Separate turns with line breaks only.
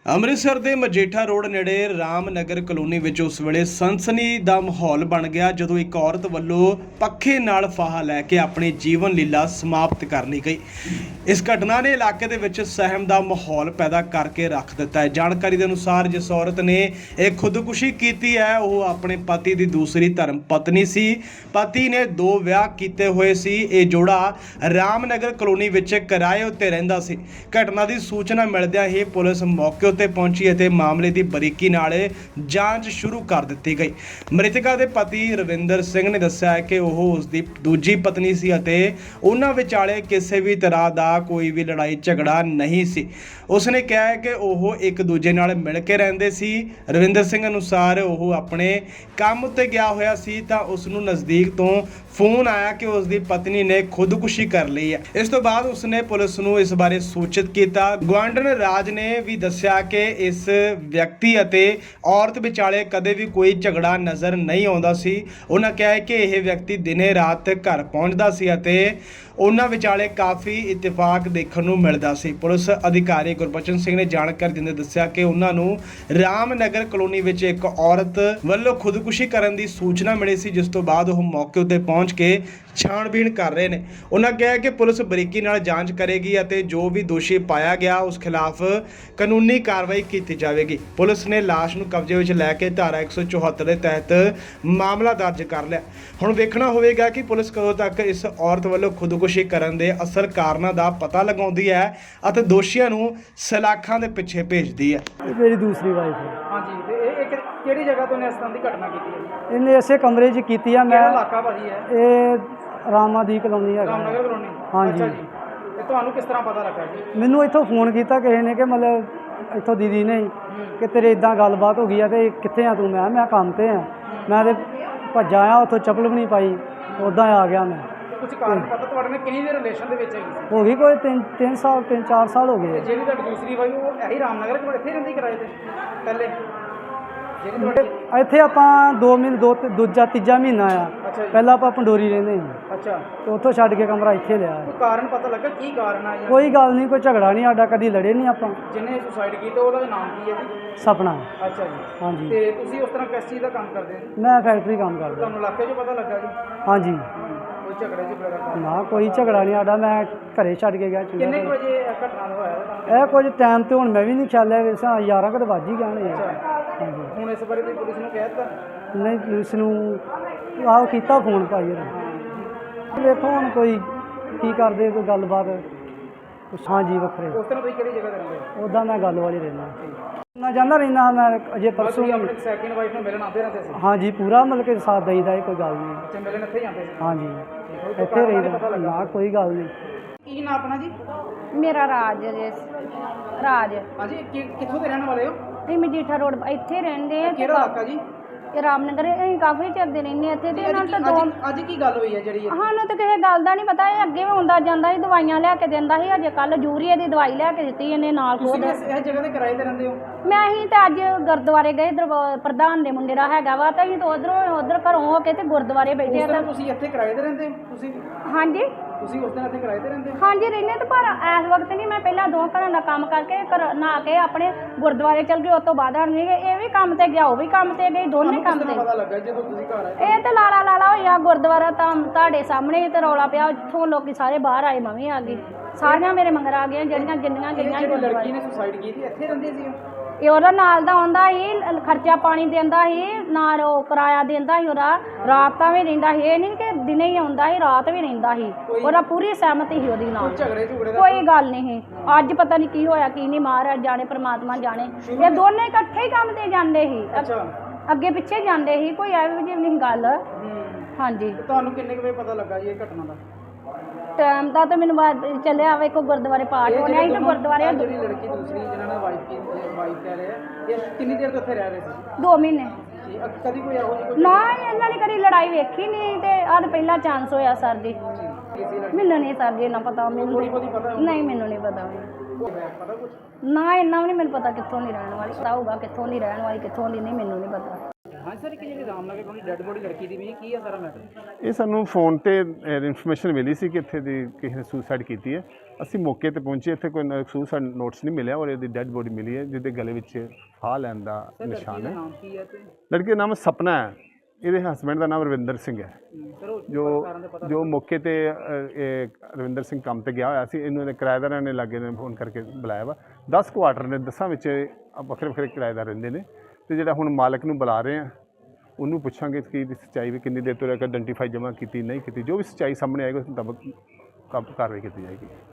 ਅੰਮ੍ਰਿਤਸਰ ਦੇ ਮਜੀਠਾ ਰੋਡ ਨੇੜੇ ਰਾਮਨਗਰ ਕਲੋਨੀ ਵਿੱਚ ਉਸ ਵੇਲੇ ਸਨਸਨੀ ਦਾ ਮਾਹੌਲ ਬਣ ਗਿਆ ਜਦੋਂ ਇੱਕ ਔਰਤ ਵੱਲੋਂ ਪੱਖੇ ਨਾਲ ਫਾਹਾ ਲੈ ਕੇ ਆਪਣੀ ਜੀਵਨ ਲੀਲਾ ਸਮਾਪਤ ਕਰ ਲਈ ਗਈ। ਇਸ ਘਟਨਾ ਨੇ ਇਲਾਕੇ ਦੇ ਵਿੱਚ ਸਹਿਮ ਦਾ ਮਾਹੌਲ ਪੈਦਾ ਕਰਕੇ ਰੱਖ ਦਿੱਤਾ ਹੈ। ਜਾਣਕਾਰੀ ਦੇ ਅਨੁਸਾਰ ਜਿਸ ਔਰਤ ਨੇ ਇਹ ਖੁਦਕੁਸ਼ੀ ਕੀਤੀ ਹੈ ਉਹ ਆਪਣੇ ਪਤੀ ਦੀ ਦੂਸਰੀ ਧਰਮ ਪਤਨੀ ਸੀ। ਪਤੀ ਨੇ 2 ਵਿਆਹ ਕੀਤੇ ਹੋਏ ਸੀ। ਇਹ ਜੋੜਾ ਰਾਮਨਗਰ ਕਲੋਨੀ ਵਿੱਚ ਕਿਰਾਏ ਉੱਤੇ ਰਹਿੰਦਾ ਸੀ। ਘਟਨਾ ਦੀ ਸੂਚਨਾ ਮਿਲਦਿਆਂ ਹੀ ਪੁਲਿਸ ਮੌਕੇ ਉੱਤੇ ਪਹੁੰਚੀ ਅਤੇ ਮਾਮਲੇ ਦੀ ਬਰੀਕੀ ਨਾਲ ਜਾਂਚ ਸ਼ੁਰੂ ਕਰ ਦਿੱਤੀ ਗਈ। ਮ੍ਰਿਤਕਾ ਦੇ ਪਤੀ ਰਵਿੰਦਰ ਸਿੰਘ ਨੇ ਦੱਸਿਆ ਹੈ ਕਿ ਉਹ ਉਸ ਦੀ ਦੂਜੀ ਪਤਨੀ ਸੀ ਅਤੇ ਉਹਨਾਂ ਵਿਚਾਲੇ ਕਿਸੇ ਵੀ ਤਰ੍ਹਾਂ ਦਾ ਕੋਈ ਵੀ ਲੜਾਈ ਝਗੜਾ ਨਹੀਂ ਸੀ। ਉਸਨੇ ਕਿਹਾ ਹੈ ਕਿ ਉਹ ਇੱਕ ਦੂਜੇ ਨਾਲ ਮਿਲ ਕੇ ਰਹਿੰਦੇ ਸੀ। ਰਵਿੰਦਰ ਸਿੰਘ ਅਨੁਸਾਰ ਉਹ ਆਪਣੇ ਕੰਮ ਉੱਤੇ ਗਿਆ ਹੋਇਆ ਸੀ ਤਾਂ ਉਸ ਨੂੰ ਨਜ਼ਦੀਕ ਤੋਂ ਫੋਨ ਆਇਆ ਕਿ ਉਸ ਦੀ ਪਤਨੀ ਨੇ ਖੁਦਕੁਸ਼ੀ ਕਰ ਲਈ ਹੈ। ਇਸ ਤੋਂ ਬਾਅਦ ਉਸਨੇ ਪੁਲਿਸ ਨੂੰ ਇਸ ਬਾਰੇ ਸੂਚਿਤ ਕੀਤਾ। ਗੁਆਂਢਣ ਰਾਜ ਨੇ ਵੀ ਦੱਸਿਆ ਕਿ ਇਸ ਵਿਅਕਤੀ ਅਤੇ ਔਰਤ ਵਿਚਾਲੇ ਕਦੇ ਵੀ ਕੋਈ ਝਗੜਾ ਨਜ਼ਰ ਨਹੀਂ ਆਉਂਦਾ ਸੀ। ਉਹਨਾਂ ਕਿਹਾ ਹੈ ਕਿ ਇਹ ਵਿਅਕਤੀ ਦਿਨੇ ਰਾਤ ਘਰ ਪਹੁੰਚਦਾ ਸੀ ਅਤੇ ਉਹਨਾਂ ਵਿਚਾਲੇ ਕਾਫੀ ਇਤਫਾਕ ਦੇਖਣ ਨੂੰ ਮਿਲਦਾ ਸੀ। ਪੁਲਿਸ ਅਧਿਕਾਰੀ ਗੁਰਬਚਨ ਸਿੰਘ ਨੇ ਜਾਣਕਾਰੀ ਦਿੰਦੇ ਦੱਸਿਆ ਕਿ ਉਹਨਾਂ ਨੂੰ ਰਾਮਨਗਰ ਕਲੋਨੀ ਵਿੱਚ ਇੱਕ ਔਰਤ ਵੱਲੋਂ ਖੁਦਕੁਸ਼ੀ ਕਰਨ ਦੀ ਸੂਚਨਾ ਮਿਲੀ ਸੀ, ਜਿਸ ਤੋਂ ਬਾਅਦ ਉਹ ਮੌਕੇ ਉੱਤੇ ਪਹੁੰਚ ਕੇ ਛਾਣਬੀਣ ਕਰ ਰਹੇ ਨੇ। ਉਹਨਾਂ ਕਿਹਾ ਕਿ ਪੁਲਿਸ ਬਰੀਕੀ ਨਾਲ ਜਾਂਚ ਕਰੇਗੀ ਅਤੇ ਜੋ ਵੀ ਦੋਸ਼ੀ ਪਾਇਆ ਗਿਆ ਉਸ ਖਿਲਾਫ ਕਾਨੂੰਨੀ ਕਾਰਵਾਈ ਕੀਤੀ ਜਾਵੇਗੀ। ਪੁਲਿਸ ਨੇ ਲਾਸ਼ ਨੂੰ ਕਬਜ਼ੇ ਵਿੱਚ ਲੈ ਕੇ ਧਾਰਾ 174 ਦੇ ਤਹਿਤ ਮਾਮਲਾ ਦਰਜ ਕਰ ਲਿਆ। ਹੁਣ ਵੇਖਣਾ ਹੋਵੇਗਾ ਕਿ ਪੁਲਿਸ ਕਦੋਂ ਤੱਕ ਇਸ ਔਰਤ ਵੱਲੋਂ ਖੁਦਕੁਸ਼ੀ ਕਰਨ ਦੇ ਅਸਲ ਕਾਰਨਾਂ ਦਾ ਪਤਾ ਲਗਾਉਂਦੀ ਹੈ ਅਤੇ ਦੋਸ਼ੀਆਂ ਨੂੰ ਸਲਾਖਾਂ ਦੇ ਪਿੱਛੇ ਭੇਜਦੀ ਹੈ।
ਮੇਰੀ ਦੂਸਰੀ ਵਾਈਫ ਹੈ।
ਹਾਂਜੀ, ਤੇ ਇਹ ਕਿਹੜੀ ਜਗ੍ਹਾ ਤੋਂ ਨੇ ਇਸ ਤਰ੍ਹਾਂ ਦੀ ਘਟਨਾ ਕੀਤੀ ਹੈ?
ਇਹਨੇ ਇਸੇ ਕਮਰੇ 'ਚ ਕੀਤੀ ਆ।
ਕਿਹੜਾ
ਮੈਂ
ਇਲਾਕਾ ਭਾਜੀ ਹੈ?
ਇਹ ਰਾਮਾਦੀ ਕਲੋਨੀ ਹੈਗਾ।
ਰਾਮਨਗਰ ਕਲੋਨੀ।
ਹਾਂਜੀ।
ਅੱਛਾ ਜੀ, ਤੇ ਤੁਹਾਨੂੰ ਕਿਸ ਤਰ੍ਹਾਂ ਪਤਾ ਲੱਗਾ ਜੀ?
ਮੈਨੂੰ ਇੱਥੋਂ ਫੋਨ ਕੀਤਾ ਕਿਸੇ ਨੇ ਕਿ ਮਤਲਬ ਇੱਥੋਂ ਦੀਦੀ ਨੇ ਕਿ ਤੇਰੇ ਇਦਾਂ ਗੱਲਬਾਤ ਹੋ ਗਈ ਆ ਤੇ ਕਿੱਥੇ ਆ ਤੂੰ? ਮੈਂ ਕੰਮ ਤੇ ਆ। ਮੈਂ ਤੇ ਭੱਜਾ ਆ, ਉੱਥੋਂ ਚੱਪਲ ਵੀ ਨਹੀਂ ਪਾਈ, ਉੱਦਾਂ ਆ ਗਿਆ ਮੈਂ।
ਕੁਝ ਕਾਰਨ ਪਤਾ ਤੁਹਾਡੇ ਨਾਲ ਕਿੰਨੀ ਦੇ ਰਿਲੇਸ਼ਨ ਦੇ ਵਿੱਚ ਹੈਗੀ ਸੀ?
ਹੋ ਗਈ ਕੋਈ 3-4 ਸਾਲ ਹੋ
ਤੇ
ਗਏ।
ਜਿਹੜੀ ਤੁਹਾਡੀ ਦੂਸਰੀ ਵਾਈ ਉਹ ਇਹੀ ਰਾਮਨਗਰ ਕੋਲ ਇੱਥੇ ਰਹਿੰਦੀ ਕਿਰਾਏ ਤੇ ਪਹਿਲੇ? ਜਿਹੜੀ ਤੁਹਾਡੀ
ਇੱਥੇ ਆਪਾਂ 2 ਮਹੀਨੇ ਦੂਜਾ ਤੀਜਾ ਮਹੀਨਾ ਆ।
ਅੱਛਾ ਜੀ।
ਪਹਿਲਾਂ ਆਪਾਂ ਪੰਡੋਰੀ ਰਹਿੰਦੇ ਸੀ
ਅੱਛਾ,
ਤੇ ਉੱਥੋਂ ਛੱਡ ਕੇ ਕਮਰਾ ਇੱਥੇ ਲਿਆ।
ਕੋਈ ਕਾਰਨ ਪਤਾ ਲੱਗਾ ਕੀ ਕਾਰਨ ਆ?
ਕੋਈ ਗੱਲ ਨਹੀਂ, ਕੋਈ ਝਗੜਾ ਨਹੀਂ ਸਾਡਾ, ਕਦੀ ਲੜੇ ਨਹੀਂ ਆਪਾਂ।
ਜਿਹਨੇ ਸੁਸਾਈਡ ਕੀਤਾ ਉਹਦਾ ਨਾਮ ਕੀ ਹੈ ਜੀ?
ਸਪਨਾ।
ਅੱਛਾ ਜੀ।
ਹਾਂਜੀ।
ਤੇ ਤੁਸੀਂ ਉਸ ਤਰ੍ਹਾਂ ਕਿਸ ਚੀਜ਼ ਦਾ ਕੰਮ ਕਰਦੇ ਹੋ?
ਮੈਂ ਫੈਕਟਰੀ ਕੰਮ ਕਰਦਾ।
ਤੁਹਾਨੂੰ ਇਲਾਕੇ 'ਚ ਪਤਾ ਲੱਗਾ ਜੀ?
ਹਾਂਜੀ।
ਕੋਈ ਝਗੜੇ 'ਚ ਬੜਾ ਕੰਮ?
ਨਾ ਕੋਈ ਝਗੜਾ ਨਹੀਂ ਸਾਡਾ, ਮੈਂ ਘਰੇ ਛੱਡ ਕੇ ਗਿਆ।
ਕਿੰਨੇ ਕੁ ਵਜੇ ਇਹ ਘਟਨਾ ਹੋਇਆ ਤੁਹਾਨੂੰ?
ਇਹ ਕੁਝ ਟਾਈਮ ਤੇ ਹੁਣ ਮੈਂ ਵੀ ਨਹੀਂ ਖਿਆਲਿਆ, ਵੈਸੇ 11 ਕੁ ਵੱਜ ਹੀ ਗਏ ਨੇ। ਹਾਂਜੀ।
ਹੁਣ ਇਸ ਬਾਰੇ ਤੁਸੀਂ ਪੁਲਿਸ ਨੂੰ ਕਹਿ ਦਿੱਤਾ?
ਨਹੀਂ, ਪੁਲਿਸ ਨੂੰ ਆਹ ਕੀਤਾ ਫੋਨ ਭਾਈ ਇਹਨੇ। ਵੇਖੋ ਹੁਣ ਕੋਈ ਕੀ ਕਰਦੇ, ਕੋਈ ਗੱਲਬਾਤ। ਹਾਂਜੀ ਵੱਖਰੇ।
ਉਸ ਤਰ੍ਹਾਂ ਤੁਸੀਂ ਕਿਹੜੀ ਜਗ੍ਹਾ ਤੇ ਰਹਿੰਦੇ ਹੋ?
ਉੱਦਾਂ ਮੈਂ ਗੱਲ ਵਾਲੀ ਰਹਿੰਦਾ ਨਾ ਜਾਂਦਾ ਰਹਿੰਦਾ। ਮੈਂ ਅਜੇ ਪਰਸੋਂ
ਤੁਸੀਂ ਆਪਣੇ ਸੈਕਿੰਡ ਵਾਈਫ ਨੂੰ ਮਿਲਣ ਆਉਂਦੇ ਰਹਿੰਦੇ ਸੀ?
ਹਾਂਜੀ ਪੂਰਾ ਮਤਲਬ ਕਿ ਸਾਥ ਦਈਦਾ, ਇਹ ਕੋਈ ਗੱਲ ਨਹੀਂ।
ਅੱਛਾ, ਮਿਲਣ ਇੱਥੇ ਹੀ ਆਉਂਦੇ ਸੀ?
ਹਾਂਜੀ ਇੱਥੇ ਰਹੀਦਾ। ਨਾ ਕੋਈ ਗੱਲ ਨਹੀਂ।
ਕੀ ਨਾਮ ਆਪਣਾ ਜੀ?
ਮੇਰਾ ਰਾਜ ਰਾਜ।
ਹਾਂਜੀ, ਕਿੱਥੋਂ ਦੇ ਰਹਿਣ ਵਾਲੇ ਹੋ?
ਅਸੀਂ ਮਜੀਠਾ ਰੋਡ ਇੱਥੇ ਰਹਿੰਦੇ ਆ।
ਕਿਹੜਾ ਇਲਾਕਾ ਜੀ?
ਇਹ ਰਾਮਨਗਰ। ਅਸੀਂ ਕਾਫੀ ਚਿਰ ਦੇ ਰਹਿੰਦੇ ਇੱਥੇ ਤੇ ਇਹਨਾਂ ਤੋਂ
ਅੱਜ ਕੀ ਗੱਲ ਹੋਈ ਹੈ ਜਿਹੜੀ ਇਹ?
ਸਾਨੂੰ ਤਾਂ ਕਿਸੇ ਗੱਲ ਦਾ ਨਹੀਂ ਪਤਾ। ਇਹ ਅੱਗੇ ਵੀ ਆਉਂਦਾ ਜਾਂਦਾ ਸੀ, ਦਵਾਈਆਂ ਲਿਆ ਕੇ ਦਿੰਦਾ ਸੀ। ਅਜੇ ਕੱਲ ਯੂਰੀਆ ਦੀ ਦਵਾਈ ਲਿਆ ਕੇ ਦਿੱਤੀ ਇਹਨੇ ਨਾਲ
ਤੁਸੀਂ
ਖੁਦ।
ਇਸ ਜਗ੍ਹਾ ਤੇ ਕਿਰਾਏ ਤੇ ਰਹਿੰਦੇ ਹੋ?
ਮੈਂ ਅਸੀਂ ਤਾਂ ਅੱਜ ਗੁਰਦੁਆਰੇ ਗਏ। ਪ੍ਰਧਾਨ ਦੇ ਮੁੰਡੇ ਦਾ ਹੈਗਾ ਵਾ ਤਾਂ ਅਸੀਂ ਤਾਂ ਉਧਰ ਘਰੋਂ ਹੋ ਕੇ ਤੇ ਗੁਰਦੁਆਰੇ ਬੈਠੇ ਆ।
ਉਸ ਦਿਨ ਤੁਸੀਂ ਇੱਥੇ ਕਿਰਾਏ ਤੇ ਰਹਿੰਦੇ ਹੋ?
ਹਾਂਜੀ
ਤੁਸੀਂ ਉਸ ਦਿਨ ਇੱਥੇ ਕਿਰਾਏ ਤੇ ਰਹਿੰਦੇ ਹੋ?
ਹਾਂਜੀ ਰਹਿੰਦੇ ਤਾਂ, ਪਰ ਇਸ ਵਕਤ ਨਹੀਂ। ਮੈਂ ਪਹਿਲਾਂ 2 ਘਰਾਂ ਦਾ ਕੰਮ ਕਰਕੇ ਘਰ ਨਹਾ ਕੇ ਆਪਣੇ ਗੁਰਦੁਆਰੇ ਚਲ ਗਈ। ਉਸ ਤੋਂ ਬਾਅਦ ਨਹੀਂ ਗਏ। ਇਹ ਵੀ ਕੰਮ ਤੇ ਗਿਆ, ਉਹ ਵੀ ਕੰਮ ਤੇ ਗਈ, ਦੋਨੇ ਕੰਮ ਤੇ।
ਪਤਾ ਲੱਗਾ ਜਦੋਂ ਤੁਸੀਂ ਘਰ ਆਏ?
ਇਹ ਤੇ ਲਾਲਾ ਹੋਇਆ ਗੁਰਦੁਆਰਾ ਤਾਂ ਤੁਹਾਡੇ ਸਾਹਮਣੇ ਹੀ ਤੇ ਰੌਲਾ ਪਿਆ। ਇੱਥੋਂ ਲੋਕੀ ਸਾਰੇ ਬਾਹਰ ਆਏ, ਮੈਂ ਵੀ ਆ ਗਈ। ਸਾਰੀਆਂ ਮੇਰੇ ਮੰਗਰ ਆ ਗਈਆਂ ਜਿੰਨੀਆਂ
ਜਿਹੜੀ ਲੜਕੀ ਨੇ ਸੁਸਾਈਡ ਕੀਤੀ ਇੱਥੇ ਰਹਿੰਦੀ ਸੀ?
ਇਹ ਉਹਦਾ ਨਾਲ ਦਾ ਆਉਂਦਾ ਸੀ, ਖਰਚਾ ਪਾਣੀ ਦਿੰਦਾ ਸੀ, ਨਾਲ ਉਹ ਕਿਰਾਇਆ ਦਿੰਦਾ ਸੀ। ਉਹਦਾ ਰਾਤ ਤਾਂ ਵੀ ਰਹਿੰਦਾ ਸੀ, ਇਹ ਨਹੀਂ ਕਿ ਦਿਨੇ ਹੀ ਆਉਂਦਾ ਸੀ, ਰਾਤ ਵੀ ਰਹਿੰਦਾ ਸੀ। ਉਹਦਾ ਪੂਰੀ ਸਹਿਮਤੀ ਸੀ ਉਹਦੀ ਨਾਲ।
ਝਗੜੇ ਦਾ
ਕੋਈ ਗੱਲ ਨਹੀਂ। ਅੱਜ ਪਤਾ ਨਹੀਂ ਕੀ ਹੋਇਆ ਕੀ ਨਹੀਂ, ਮਹਾਰਾਜ ਜਾਣੇ, ਪ੍ਰਮਾਤਮਾ ਜਾਣੇ। ਇਹ ਦੋਨੇ ਇਕੱਠੇ ਹੀ ਕੰਮ ਤੇ ਜਾਂਦੇ ਸੀ, ਅੱਗੇ ਪਿੱਛੇ ਜਾਂਦੇ ਸੀ। ਕੋਈ ਐਵੇਂ ਜਿਹੀ ਨਹੀਂ ਗੱਲ। ਹਾਂਜੀ।
ਤੁਹਾਨੂੰ ਕਿੰਨੇ ਕੁ ਵਜੇ ਪਤਾ ਲੱਗਾ ਜੀ ਇਹ ਘਟਨਾ ਦਾ?
ਟਾਈਮ ਦਾ ਤਾਂ ਮੈਨੂੰ ਚੱਲਿਆ ਵੇ ਕੋ ਗੁਰਦੁਆਰੇ ਪਾਠ ਹੋਣਾ ਸੀ ਤੇ ਗੁਰਦੁਆਰੇ
ਜਿਹੜੀ ਲੜਕੀ ਦੂਸਰੀ ਜਿਹਨਾਂ ਨਾਲ ਵਾਈਫ ਕਹਿ ਰਹੇ ਆ, ਇਹ ਕਿੰਨੀ ਦੇਰ ਤੋਂ ਇੱਥੇ ਰਹਿ ਰਹੇ ਸੀ?
2 ਮਹੀਨੇ।
ਕਦੀ ਕੋਈ ਇਹੋ ਜਿਹੀ
ਨਾ ਇਹਨਾਂ ਨੇ ਕਦੀ ਲੜਾਈ ਵੇਖੀ ਨਹੀਂ ਤੇ ਆਹ ਪਹਿਲਾ ਚਾਂਸ ਹੋਇਆ ਸਰ ਜੀ। ਮੈਨੂੰ ਨਹੀਂ ਸਰ ਜੀ ਇੰਨਾ ਪਤਾ। ਮੈਨੂੰ ਨਹੀਂ, ਮੈਨੂੰ ਨਹੀਂ ਪਤਾ।
ਪਤਾ ਕੁਝ
ਨਾ ਇੰਨਾ ਵੀ ਨਹੀਂ ਮੈਨੂੰ ਪਤਾ ਕਿੱਥੋਂ ਦੀ ਰਹਿਣ ਵਾਲੀ। ਪਤਾ ਹੋਊਗਾ ਕਿੱਥੋਂ ਦੀ ਰਹਿਣ ਵਾਲੀ, ਕਿੱਥੋਂ ਦੀ ਨਹੀਂ, ਮੈਨੂੰ ਨਹੀਂ ਪਤਾ।
ਹਾਂ ਸਰ, ਕਿ ਜਿਹੜੀ ਰਾਮਨਗਰ ਕਲੋਨੀ ਡੈੱਡ ਬੋਡੀ ਲੜਕੀ ਦੀ ਵੀ ਕੀ ਹੈ ਸਾਰਾ ਮੈਟਰ?
ਇਹ ਸਾਨੂੰ ਫੋਨ ਤੇ ਇਨਫੋਰਮੇਸ਼ਨ ਮਿਲੀ ਸੀ ਕਿ ਇੱਥੇ ਦੀ ਕਿਸੇ ਨੇ ਸੁਸਾਈਡ ਕੀਤੀ ਹੈ। ਅਸੀਂ ਮੌਕੇ ਤੇ ਪਹੁੰਚੇ, ਇੱਥੇ ਕੋਈ ਸੁਸਾਈਡ ਨੋਟਸ ਨਹੀਂ ਮਿਲਿਆ ਔਰ ਇਹਦੀ ਡੈੱਡ ਬੋਡੀ ਮਿਲੀ ਹੈ ਜਿਹਦੇ ਗਲੇ ਵਿੱਚ ਫਾਹ ਲੈਣ ਦਾ ਨਿਸ਼ਾਨ ਹੈ।
ਨਾਮ ਕੀ ਹੈ ਤੇ
ਲੜਕੀ ਦਾ ਨਾਮ ਸਪਨਾ ਹੈ, ਇਹਦੇ ਹਸਬੈਂਡ ਦਾ ਨਾਮ ਰਵਿੰਦਰ ਸਿੰਘ ਹੈ।
ਸਰ ਉਹ
ਜੋ ਮੌਕੇ ਤੇ ਇਹ ਰਵਿੰਦਰ ਸਿੰਘ ਕੰਮ ਤੇ ਗਿਆ ਹੋਇਆ ਸੀ, ਇਹਨੂੰ ਇਹਦੇ ਕਿਰਾਏਦਾਰਾਂ ਨੇ ਲਾਗੇ ਨੇ ਫੋਨ ਕਰਕੇ ਬੁਲਾਇਆ ਵਾ। 10 ਕੁਆਟਰ ਨੇ, 10 ਵਿੱਚ ਵੱਖਰੇ ਵੱਖਰੇ ਕਿਰਾਏਦਾਰ ਰਹਿੰਦੇ ਨੇ ਤੇ ਜਿਹੜਾ ਹੁਣ ਮਾਲਕ ਨੂੰ ਬੁਲਾ ਰਹੇ ਆ, ਉਹਨੂੰ ਪੁੱਛਾਂਗੇ ਕਿ ਇਹਦੀ ਸੱਚਾਈ ਵੀ ਕਿੰਨੀ ਦੇਰ ਤੋਂ ਲੈ ਕੇ ਆਇਡੈਂਟੀਫਾਈ ਜਮ੍ਹਾਂ ਕੀਤੀ ਨਹੀਂ ਕੀਤੀ, ਜੋ ਵੀ ਸੱਚਾਈ ਸਾਹਮਣੇ ਆਏਗੀ ਉਸ ਮੁਤਾਬਕ ਕਾਰਵਾਈ ਕੀਤੀ ਜਾਏਗੀ।